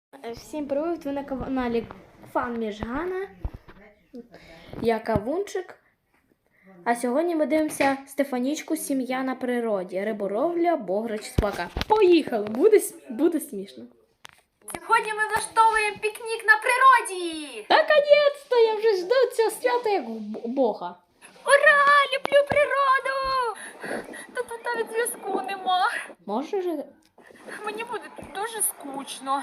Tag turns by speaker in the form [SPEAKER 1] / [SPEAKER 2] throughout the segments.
[SPEAKER 1] Всім привіт! Ви на каналі Фан Міжгана. Я Кавунчик. А сьогодні ми дивимося Стефанічку «Сім'я на природі». Риболовля, бограч, собака. Поїхали! Буде смішно.
[SPEAKER 2] Сьогодні ми влаштовуємо пікнік на природі!
[SPEAKER 1] Наконець-то! Я вже жду цього свята як бога.
[SPEAKER 2] Ура! Люблю природу! Та тут навіть зв'язку нема.
[SPEAKER 1] Можеш?
[SPEAKER 2] Мені буде дуже скучно.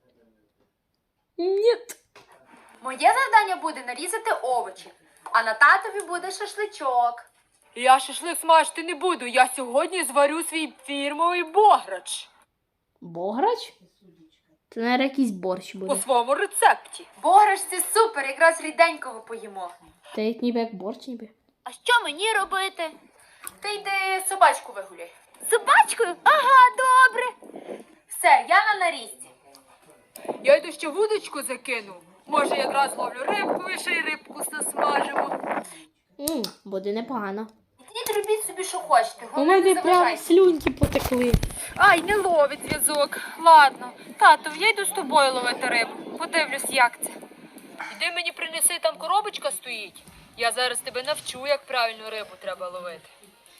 [SPEAKER 1] Ні.
[SPEAKER 2] Моє завдання буде нарізати овочі, а на татові буде шашличок. Я шашлик смажити не буду, я сьогодні зварю свій фірмовий бограч.
[SPEAKER 1] Бограч? Це, мабуть, якийсь борщ
[SPEAKER 2] По
[SPEAKER 1] буде.
[SPEAKER 2] своєму рецепті. Бограч це супер, якраз ріденького поїмо.
[SPEAKER 1] Це ніби як борщ ніби.
[SPEAKER 2] А що мені робити? Ти йди собачку вигуляй. Собачкою? Ага, добре. Все, я на нарізці. Я йду ще вудочку закину. Може, якраз ловлю рибку і ще й рибку засмажимо.
[SPEAKER 1] Буде непогано.
[SPEAKER 2] Ідіть робіть собі, що хочете.
[SPEAKER 1] У
[SPEAKER 2] Головне, не
[SPEAKER 1] мене прям
[SPEAKER 2] заважайте.
[SPEAKER 1] слюнки потекли.
[SPEAKER 2] Ай, не ловить зв'язок. Ладно. Тато, я йду з тобою ловити рибу. Подивлюсь, як це. Іди мені принеси, там коробочка стоїть. Я зараз тебе навчу, як правильно рибу треба ловити.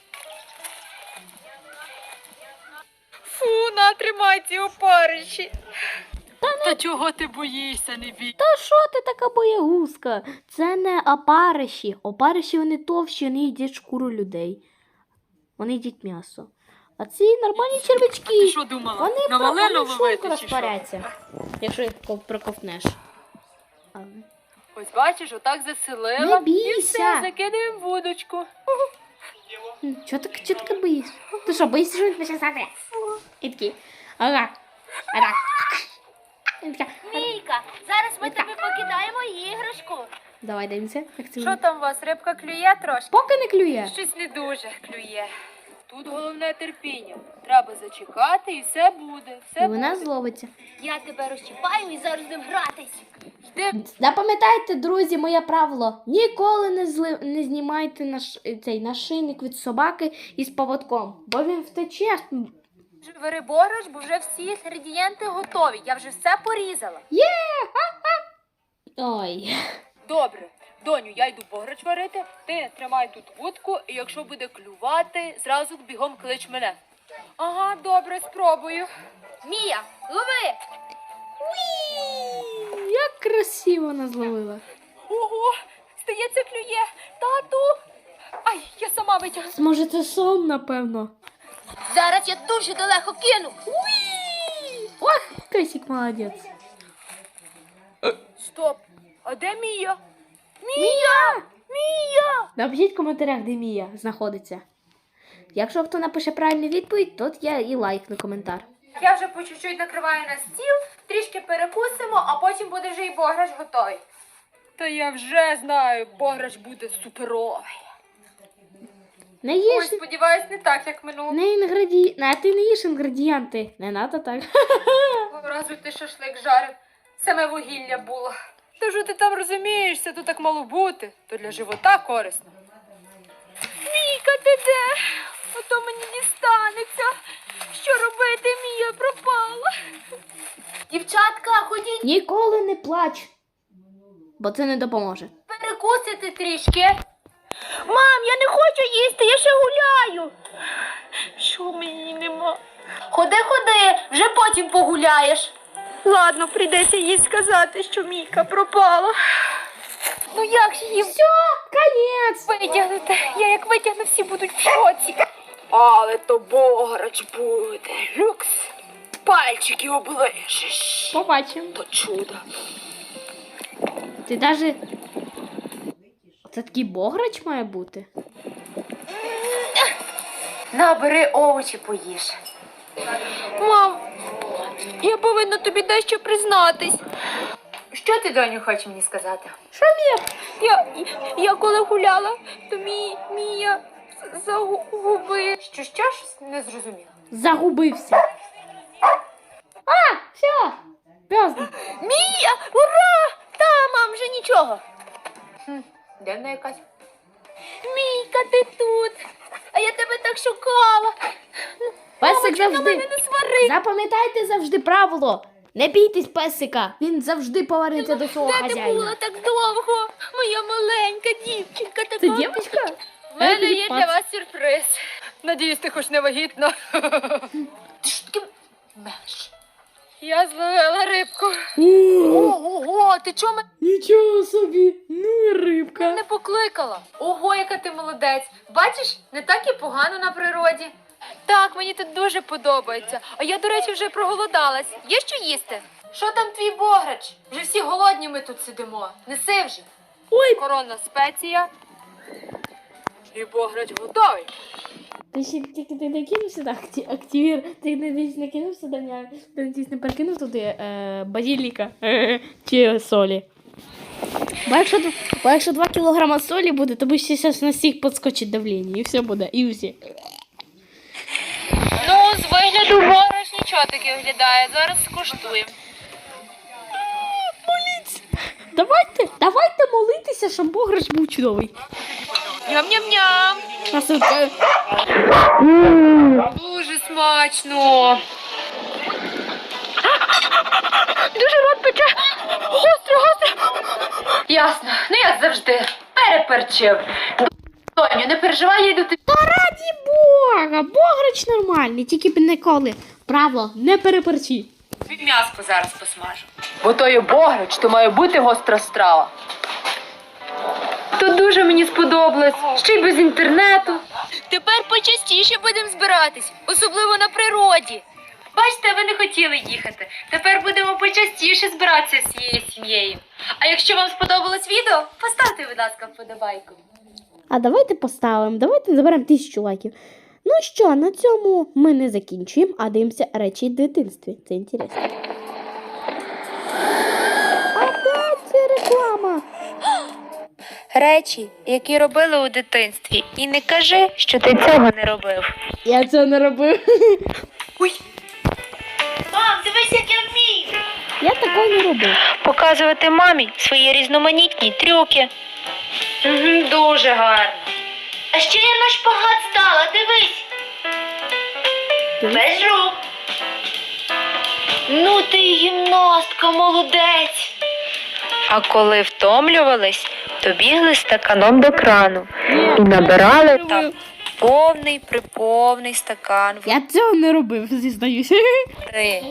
[SPEAKER 2] Фу, натримай ці опариші. Та чого ти боїшся, не бій?
[SPEAKER 1] Та що ти така боягузка? Це не опариші. Опариші вони товщі, вони їдять шкуру людей. Вони їдять м'ясо. А ці нормальні червячки.
[SPEAKER 2] Ти що думала?
[SPEAKER 1] Вони
[SPEAKER 2] На малину
[SPEAKER 1] швидко
[SPEAKER 2] ловити чи що?
[SPEAKER 1] розпаряться, якщо їх проковтнеш.
[SPEAKER 2] Ось бачиш, отак заселила.
[SPEAKER 1] Не бійся.
[SPEAKER 2] І все, закидаємо вудочку.
[SPEAKER 1] Чого ти боїшся? Ти що, боїшся, що він почне стати? І такий. Ага. Ага.
[SPEAKER 2] Мійка, зараз ми тобі покидаємо іграшку.
[SPEAKER 1] Давай дивимося. Як це
[SPEAKER 2] Що там у вас, рибка клює трошки?
[SPEAKER 1] поки не клює.
[SPEAKER 2] Щось не дуже клює. Тут головне терпіння. Треба зачекати і все буде.
[SPEAKER 1] І вона зловиться.
[SPEAKER 2] Я тебе розчіпаю і зараз будемо гратись. Йди.
[SPEAKER 1] Запам'ятайте, друзі, моє правило. Ніколи не знімайте цей нашийник від собаки із поводком, бо він втече.
[SPEAKER 2] Бери бограч, бо вже всі інгредієнти готові. Я вже все порізала.
[SPEAKER 1] Ой.
[SPEAKER 2] Добре. Доню, я йду бограч варити, ти тримай тут вудку, і якщо буде клювати, зразу бігом клич мене. Ага, добре, спробую. Мія, лови!
[SPEAKER 1] Як красиво вона зловила.
[SPEAKER 2] Ого, здається, клює. Тату! Ай, я сама витягну.
[SPEAKER 1] Може, це сон, напевно.
[SPEAKER 2] Зараз я дуже далеко кину.
[SPEAKER 1] Ох, Кисик молодець.
[SPEAKER 2] Стоп, а де Мія? Мія! Мія!
[SPEAKER 1] Напишіть в коментарях, де Мія знаходиться. Якщо хто напише правильну відповідь, то я і лайкну коментар.
[SPEAKER 2] Я вже по чуть-чуть накриваю на стіл, трішки перекусимо, а потім буде вже і бограч готовий. Та я вже знаю, бограч буде суперовий.
[SPEAKER 1] Не їж,
[SPEAKER 2] Ой, сподіваюсь, не так, як минулого
[SPEAKER 1] а ти не їж інгредієнти. Не надо так.
[SPEAKER 2] разу ти шашлик жарив. Саме вугілля було. Та що ти там розумієшся, то так мало бути. То для живота корисно. Мійка, ти де? Ото мені дістанеться. Що робити, Мія пропала. Дівчатка, ходіть
[SPEAKER 1] Ніколи не плач, бо це не допоможе.
[SPEAKER 2] перекусити трішки. Мам, я не хочу їсти, я ще гуляю. Що мені нема? Ходи, вже потім погуляєш. Ладно, прийдеться їй сказати, що Мійка пропала. Ну як ж її
[SPEAKER 1] Все, конець.
[SPEAKER 2] витягнути? Я як витягну, всі будуть в шоці. Але то бограч буде. Люкс. Пальчики оближеш.
[SPEAKER 1] Побачимо.
[SPEAKER 2] То чудо.
[SPEAKER 1] Ти даже... Це такий бограч має бути?
[SPEAKER 2] Набери овочі, поїж. Мам, я повинна тобі дещо признатись. Що ти, доню, хочеш мені сказати?
[SPEAKER 1] Що, Мія?
[SPEAKER 2] Я коли гуляла, то Мія загубив. Що ж, не зрозуміла.
[SPEAKER 1] Загубився. А, все. Пізно.
[SPEAKER 2] Мія, ура! Та, мам, вже нічого. Де вона якась? Мійка, ти тут. А я тебе так шукала.
[SPEAKER 1] Песик
[SPEAKER 2] Мамочка, на
[SPEAKER 1] завжди.
[SPEAKER 2] мене не свари.
[SPEAKER 1] Запам'ятайте завжди правило. Не бійтесь песика, він завжди повернеться до свого
[SPEAKER 2] Де ти
[SPEAKER 1] хазяїна.
[SPEAKER 2] була так довго? Моя маленька дівчинка така.
[SPEAKER 1] Це дівчинка?
[SPEAKER 2] У мене є для вас сюрприз. Надіюсь, ти хоч не вагітна. Ти що таке меш? Я зловила рибку. Ого, ти чого мене
[SPEAKER 1] Нічого собі, ну і рибка.
[SPEAKER 2] не покликала? Ого, яка ти молодець. Бачиш, не так і погано на природі. Так, мені тут дуже подобається. А я, до речі, вже проголодалась. Є що їсти? Що там твій бограч? Вже всі голодні ми тут сидимо. Неси вже.
[SPEAKER 1] Ой,
[SPEAKER 2] Коронна спеція. І бограч готовий.
[SPEAKER 1] ти ще тільки ти не кинув сюди активір, ти не кинув сюди, не перекинув туди базиліка чи солі. Бо якщо 2 кілограма солі буде, то ще зараз на всіх підскочить давлення, і все буде, і всі.
[SPEAKER 2] Ну, з вигляду бограч нічого таке виглядає. Зараз скуштуємо.
[SPEAKER 1] Давайте молитися, щоб бограч був чудовий.
[SPEAKER 2] Ням-ням-ням. Дуже смачно. Дуже рот пече. Гостро. Ясно. Ну, як завжди. Переперчив. Доню, не переживай, я йду тобі.
[SPEAKER 1] Раді Бога, бограч нормальний, тільки б ніколи. Правило, не переперчи.
[SPEAKER 2] М'яско зараз посмажу. Бо то є бограч, то має бути гостра страва. То дуже мені сподобалось, ще й без інтернету. Тепер почастіше будемо збиратись, особливо на природі. Бачите, ви не хотіли їхати. Тепер будемо почастіше збиратися з цією сім'єю. А якщо вам сподобалось відео, поставте, будь ласка, вподобайку.
[SPEAKER 1] А давайте поставимо, давайте заберемо 1000 лайків. Ну що, на цьому ми не закінчуємо, а дивимося речі в дитинстві. Це інтересно. Опять це реклама.
[SPEAKER 2] Речі, які робили у дитинстві. І не кажи, що ти цього не робив.
[SPEAKER 1] Я цього не робив.
[SPEAKER 2] Ой. Мам, дивись, як я вмію.
[SPEAKER 1] Я такого не робив.
[SPEAKER 2] Показувати мамі свої різноманітні трюки. Дуже гарно. А ще я на шпагат стала, дивись. Без рук. Ну ти гімнастка, молодець. А коли втомлювались, то бігли стаканом до крану і набирали там повний стакан
[SPEAKER 1] Я цього не робив, зізнаюся.
[SPEAKER 2] води.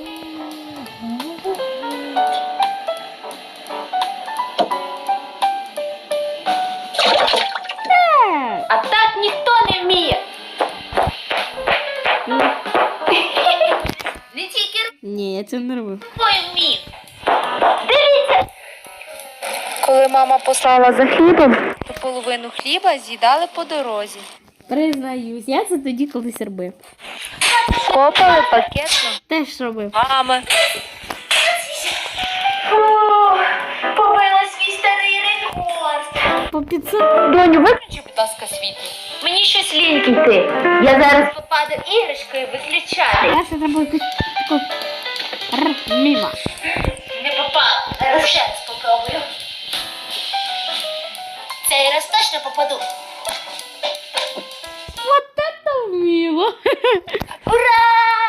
[SPEAKER 2] А так ніхто не вміє. Не тільки
[SPEAKER 1] Ні, я цього не робив.
[SPEAKER 2] рукою вміє. Дивіться. Коли мама послала за хлібом, то половину хліба з'їдали по дорозі.
[SPEAKER 1] Признаюсь, я це тоді колись робив.
[SPEAKER 2] Копали пакетно.
[SPEAKER 1] Теж робив.
[SPEAKER 2] Мами. Побила свій старий рекорд.
[SPEAKER 1] По 500.
[SPEAKER 2] Доню, виключи, будь ласка, світло. Мені щось ліньки йти. Я зараз попаду іграшкою виключати.
[SPEAKER 1] Перше треба якусь таку міма.
[SPEAKER 2] Не попала. Зараз ще раз попробую. Цей раз точно попаду.
[SPEAKER 1] Вот это мило.
[SPEAKER 2] Ура!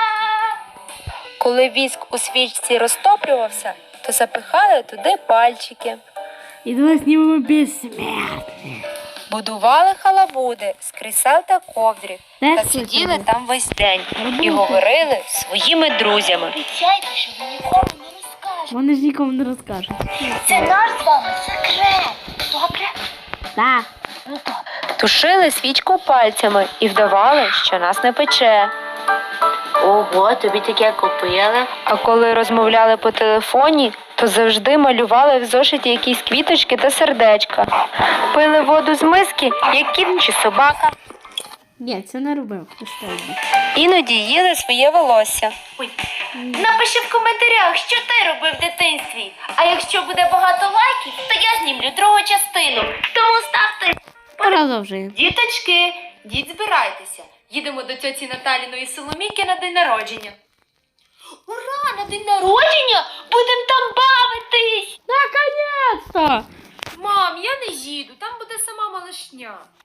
[SPEAKER 2] Коли віск у свічці розтоплювався, то запихали туди пальчики.
[SPEAKER 1] І давай знімемо безсмертне.
[SPEAKER 2] Будували халабуди з крісел та ковдрів
[SPEAKER 1] Теж
[SPEAKER 2] та
[SPEAKER 1] щось
[SPEAKER 2] сиділи
[SPEAKER 1] робив.
[SPEAKER 2] там весь день і
[SPEAKER 1] Робити.
[SPEAKER 2] говорили зі своїми друзями.
[SPEAKER 3] Обіцяйте, що ви нікому не розкажете.
[SPEAKER 1] Вони ж нікому не розкажуть.
[SPEAKER 3] Це наш з вами секрет. Добре?
[SPEAKER 1] Так.
[SPEAKER 3] Ну то.
[SPEAKER 2] Тушили свічку пальцями і вдавали, що нас не пече.
[SPEAKER 3] Ого, тобі таке купили.
[SPEAKER 2] А коли розмовляли по телефоні, то завжди малювали в зошиті якісь квіточки та сердечка. Пили воду з миски, як кіт чи собака.
[SPEAKER 1] Ні, це не робив. Останнє.
[SPEAKER 2] Іноді їли своє волосся.
[SPEAKER 3] Напиши в коментарях, що ти робив в дитинстві. А якщо буде багато лайків, то я знімлю другу частину. Тому ставте.
[SPEAKER 1] Продовжуємо.
[SPEAKER 2] Діточки, діть збирайтеся. Їдемо до тьоті Наталіної Соломійки на день народження.
[SPEAKER 3] Ура, на день народження будемо там бавитись.
[SPEAKER 1] Наконец-то!
[SPEAKER 2] Мам, я не їду, там буде сама малишня.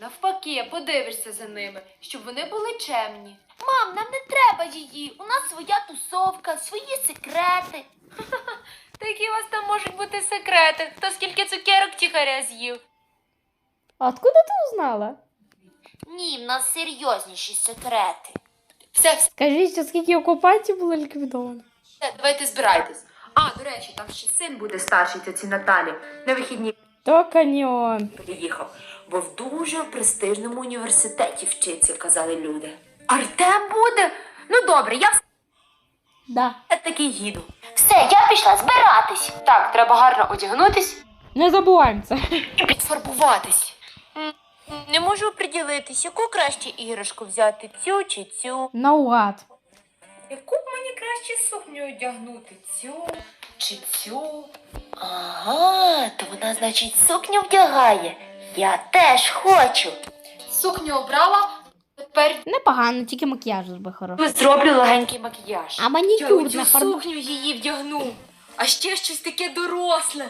[SPEAKER 2] Навпаки, подивишся за ними, щоб вони були чемні.
[SPEAKER 3] Мам, нам не треба її. У нас своя тусовка, свої секрети.
[SPEAKER 2] Та які у вас там можуть бути секрети? Хто скільки цукерок тихаря з'їв?
[SPEAKER 1] А откуда ти узнала?
[SPEAKER 3] Ні, в нас серйозніші секрети.
[SPEAKER 2] Все,
[SPEAKER 1] Скажіть, що скільки окупантів було ліквідовано?
[SPEAKER 2] давайте збирайтесь. А, до речі, там ще син буде старший тьоці Наталі. На вихідні
[SPEAKER 1] То каньйон.
[SPEAKER 2] приїхав, бо в дуже престижному університеті вчиться, казали люди. Артем буде? Ну добре, я
[SPEAKER 1] Да.
[SPEAKER 2] все-таки їду.
[SPEAKER 3] Все, я пішла збиратись.
[SPEAKER 2] Так, треба гарно одягнутись
[SPEAKER 1] Не забуваємо це.
[SPEAKER 2] і підфарбуватись. Не можу оприділитись, яку краще іграшку взяти, цю чи цю.
[SPEAKER 1] Наугад.
[SPEAKER 2] Яку б мені краще сукню одягнути, цю чи цю?
[SPEAKER 3] Ага, то вона, значить, сукню вдягає. Я теж хочу.
[SPEAKER 2] Сукню обрала, тепер
[SPEAKER 1] Непогано, тільки макіяж зроби хороший.
[SPEAKER 2] зроблю легенький макіяж.
[SPEAKER 1] А манікюр
[SPEAKER 2] Я
[SPEAKER 1] на
[SPEAKER 2] оцю
[SPEAKER 1] фарбу.
[SPEAKER 2] сукню її вдягну, а ще щось таке доросле.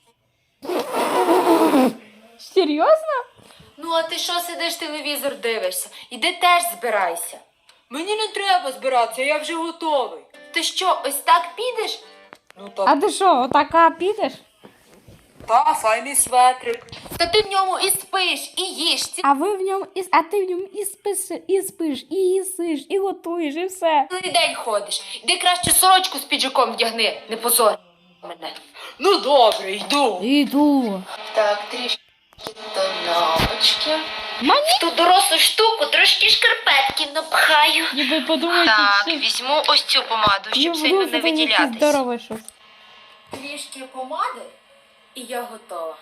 [SPEAKER 1] Серйозно?
[SPEAKER 2] Ну, а ти що сидиш, телевізор дивишся? Іди теж збирайся. Мені не треба збиратися, я вже готовий. Ти що, ось так підеш? Ну так.
[SPEAKER 1] А ти що, отака підеш?
[SPEAKER 2] Та, файний светрик. Та ти в ньому і спиш, і їш.
[SPEAKER 1] А ви в ньому а ти в ньому і спиш, і їсиш, і готуєш, і все.
[SPEAKER 2] Цілий день ходиш. Іди краще сорочку з піджаком вдягни, не позор мене. Ну добре, йду.
[SPEAKER 1] Іду.
[SPEAKER 3] Так, трішки тонопочки.
[SPEAKER 1] Мані?
[SPEAKER 3] В ту дорослу штуку трошки шкарпетків напхаю.
[SPEAKER 1] Ніби подумайте,
[SPEAKER 3] Так,
[SPEAKER 1] що...
[SPEAKER 3] візьму ось цю помаду, щоб сильно не виділятись.
[SPEAKER 1] Здорове щось.
[SPEAKER 2] Трішки помади, і я готова.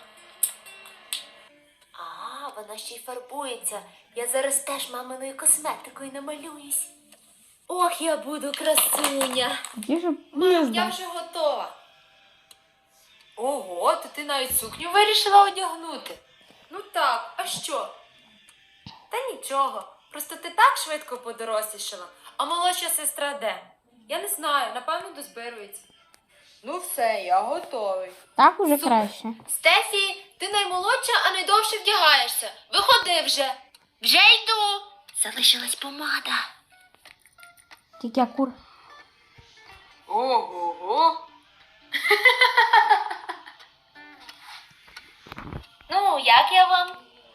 [SPEAKER 3] А, вона ще й фарбується. Я зараз теж маминою косметикою намалююсь. Ох, я буду красуня.
[SPEAKER 1] Ті ж не
[SPEAKER 2] Я
[SPEAKER 1] знаю.
[SPEAKER 2] вже готова. Ого, то ти навіть сукню вирішила одягнути. Ну так, а що? Та нічого. Просто ти так швидко подорослішала, а молодша сестра де? Я не знаю, напевно, дозбирується. Ну все, я готовий.
[SPEAKER 1] Так уже
[SPEAKER 2] Супер.
[SPEAKER 1] краще.
[SPEAKER 2] Стефі, ти наймолодша, а найдовше вдягаєшся. Виходи вже.
[SPEAKER 3] Вже йду. Залишилась помада.
[SPEAKER 1] Тільки акур.
[SPEAKER 2] Ого-го.
[SPEAKER 3] Ну, як я вам?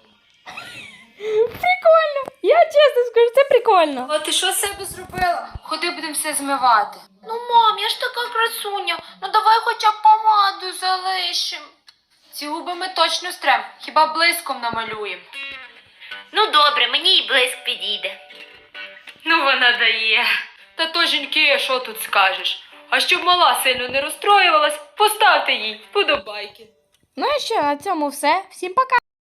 [SPEAKER 1] Прикольно. Я чесно скажу, це прикольно.
[SPEAKER 2] А ти що з себе зробила? Ходи, будемо все змивати.
[SPEAKER 3] Ну, мам, я ж така красуня. Ну давай хоча б помаду залишим.
[SPEAKER 2] Ці губи ми точно стрем, хіба блиском намалюємо.
[SPEAKER 3] Ну добре, мені і блиск підійде.
[SPEAKER 2] Ну вона дає. Та то жінки, що тут скажеш? А щоб мала сильно не розстроювалась, поставте їй вподобайки.
[SPEAKER 1] Ну і що, на цьому все. Всім пока.